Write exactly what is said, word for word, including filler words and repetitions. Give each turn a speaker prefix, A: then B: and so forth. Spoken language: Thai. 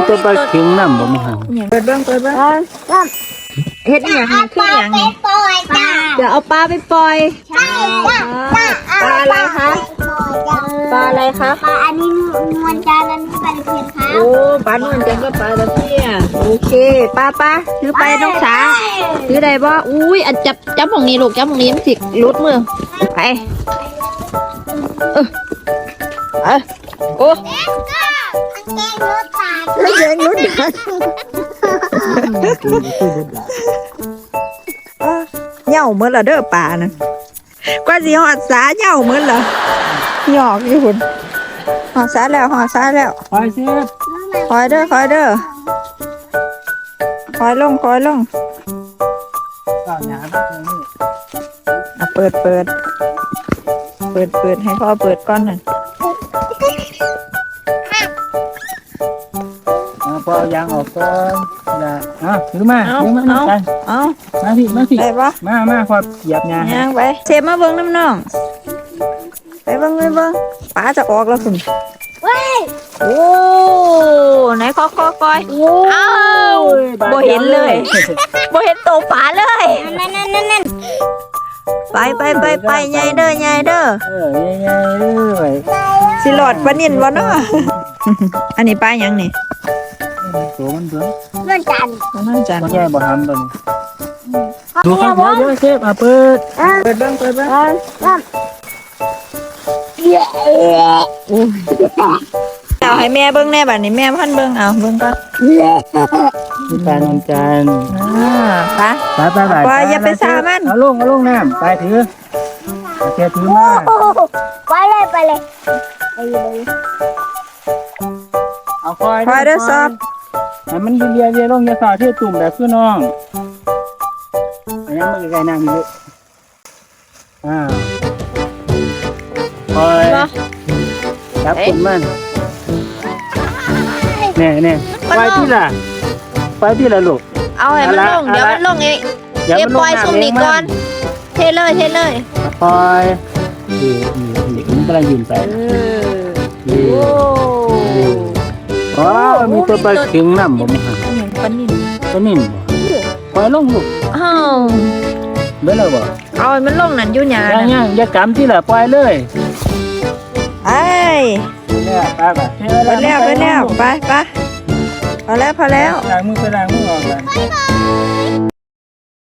A: ตัวปลาเข็งน้ำบ่มีหาง
B: เปิดเบิ้งเปิดเบิ้งเฮ็ดอหย่างคืออหย่างนี่เดี๋ยวเอาปลาไปปล่อยปลาอะไรคะปลาอะไรคะ
C: ปลาอันนี้นวลจันทร์อันนี้ปลาตะเพียนครับ
B: โอ้ปลานวลจันทร์ก็ปลาตะเพียนโอเคปลาปลาถือไปน้องสาถือได้บ่อุ้ยอันจับจับของนี้ลูกจับของนี้มันสิลุดมือไปเออเออโอ้
C: เก่งรถตา
B: เหย่าเหมือนละเด้อป่านะกว่าสิหอดสาเหย่าเหมือนละหยอกอยู่หุ่นหอดสาแล้วหอดสาแล้ว
A: ไปเสียบ
B: คอยเด้อคอยเด้อคอยลงคอยลง
A: ข้าวหยาครับนี่
B: อ่ะเปิดเปิดเปิดเปิดให้พ่อเปิดก่อนหน่อย
A: พอเอายางออกก่อนนะอ่ะถือมา
B: เอา
A: ถือมา
B: เอา
A: กัน
B: เอา
A: มาพี่มาพี่
B: ได้ปะ
A: มามาพอเหยียบยา
B: ย่างไปเชฟมาเบิ้งน้ำน้องไปเบิ้งไปเบิ้งป้าจะออกแล้วคุณ
C: เว้ย
B: โอ้ไหนคอคอคอยอ้าวบ่เห็นเลยบ่เห็นตัวป๋าเลย
C: นั่นนั่นนั่นนั่น
B: ไปไปไปไปใหญ่เด้อใหญ่เด้อ
A: เออใหญ่ๆเลย
B: สิหลอดปลานิ่นวะเนาะ อันนี้ปลาหยังนี่
A: ตัวมันเบิ่ง
C: นวลจันทร์
B: ปลาน่าจัน
A: บ่แย่บ่ทำตัวนี้ดูครับเดี๋ยวเดี๋ยวเชฟอ่ะเปิด
B: เปิดเบิ้งเปิดเบิ้ง เอาให้แม่เบิ้งแน่บัดนี้แม่พันเบิ้งเอาเบิ้งก็
A: พี่ปลานนจันทร์
B: อ่าปลา
A: ไปไปไป
B: ปลาอย่าไปสามัน
A: เอาลงเอาลงน้ำไปถือเอาเชฟถือมา
C: ไปเลยไปเลยไปเลย
A: เอาคอย
B: คอยเด้อซอบ
A: ให้มันเรียเรียลงอยาสอดที่ตุ่มแบบคือน้องอันนี้มันไกลๆน้ำอยู่อ่าคอยจับตุ่มมันแน่แน่ไปที่ละไปที่ละลูก
B: เอาให้มันลงเดี๋ยวมันลงเอง
A: เดี๋ยว
B: เดี๋ยว
A: มันล
B: ป
A: ง
B: ล่อย
A: น้ำ
B: ซุ่มนี่
A: เองมัน
B: ก่อนเทเลยเทเลย
A: คอยดีดีดีมันกำลังยืนไป
B: เออ
A: ดี
B: โอ้
A: ว้าวมีตัวปลาเข็งน้ำบ่มีหาง
B: อันนี้ปลานิ่น
A: ตัวนิ่มบ่ปล่อยลงลูก
B: อ้าว
A: เบิ่เลยบ่
B: เอาให้มันลงนั่นอยู่หยา
A: ย่าง
B: น่ะ
A: ย่างอย่ากำที่ละปล่อยเลย
B: ไอ้
A: เนี่ยไปไป
B: ไปแล้วไปแล้วไปไปพอแล้วพอแล้ว
A: ล้างมือไปล้างมือออกกัน